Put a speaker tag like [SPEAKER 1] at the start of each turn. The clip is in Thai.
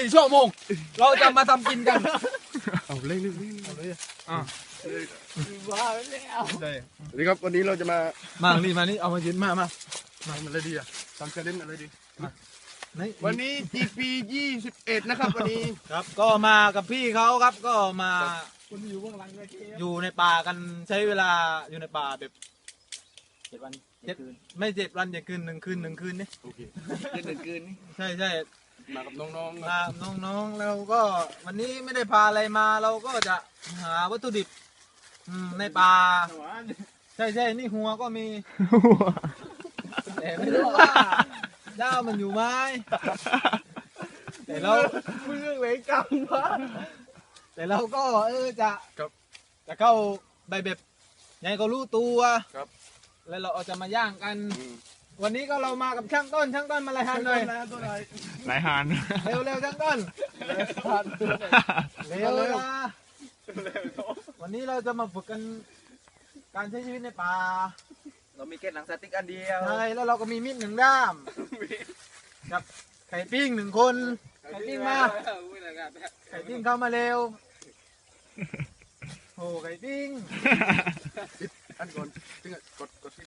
[SPEAKER 1] 24 ชั่วโมงเราจะมาทำกินกัน
[SPEAKER 2] เอาเล่น
[SPEAKER 3] ว้าวแล้ว
[SPEAKER 1] ได้
[SPEAKER 2] สวัสดีครับวันนี้เราจะมา
[SPEAKER 1] มานี่มานี่เอามายืนมา
[SPEAKER 2] ทำอะไรดีอ่ะทำเชลเลนอะไรดี
[SPEAKER 1] นี่
[SPEAKER 2] วันนี้ GP 21นะครับวันนี้
[SPEAKER 1] ครับก็มากับพี่เขาครับก็มา
[SPEAKER 3] คนอยู่เบื้องหลังเลยที
[SPEAKER 1] อยู่ในป่ากันใช้เวลาอยู่ในป่าแบบ7 วันไม่7 วันอย่าคืน1 คืน1 คืนนี่
[SPEAKER 2] โอเค
[SPEAKER 3] คืนนี่
[SPEAKER 1] ใช่ใช่
[SPEAKER 2] มากับน้องๆ
[SPEAKER 1] มาน้องๆแล้วก็วันนี้ไม่ได้พาอะไรมาเราก็จะหาวัตถุดิบในป่าใช่ใช่นี่หัวก็มีแต่ไม่รู้ว่าเจ้ามันอยู่ไหมแต่เรา
[SPEAKER 3] มึงเรื่องเวรกรรมวะ
[SPEAKER 1] แต่เราก็จะเข้าใบแบบไงก็รู้ตัว
[SPEAKER 2] ครับ
[SPEAKER 1] แล้วเราเอาจะมาย่างกัน วันนี้ก็เรามากับช่างต้นมาอะไรทันหน่อย
[SPEAKER 3] ตัวไหน
[SPEAKER 4] หลายหาน
[SPEAKER 1] เร็วช่างต้นเร็วนะวันนี้เราจะมาฝึกกันการใช้ชีวิตในป่า
[SPEAKER 3] เรามีเกล็ดหนังสติ๊กอันเดียว
[SPEAKER 1] ใช่แล้วเราก็มีมีด1 ด้ามกับไข่ปิ้ง1 คนไข่ปิ้งมาไข่ปิ้งเข้ามาเร็วโอ้ไข่ปิ้ง
[SPEAKER 2] อันก่อนถึงกดที่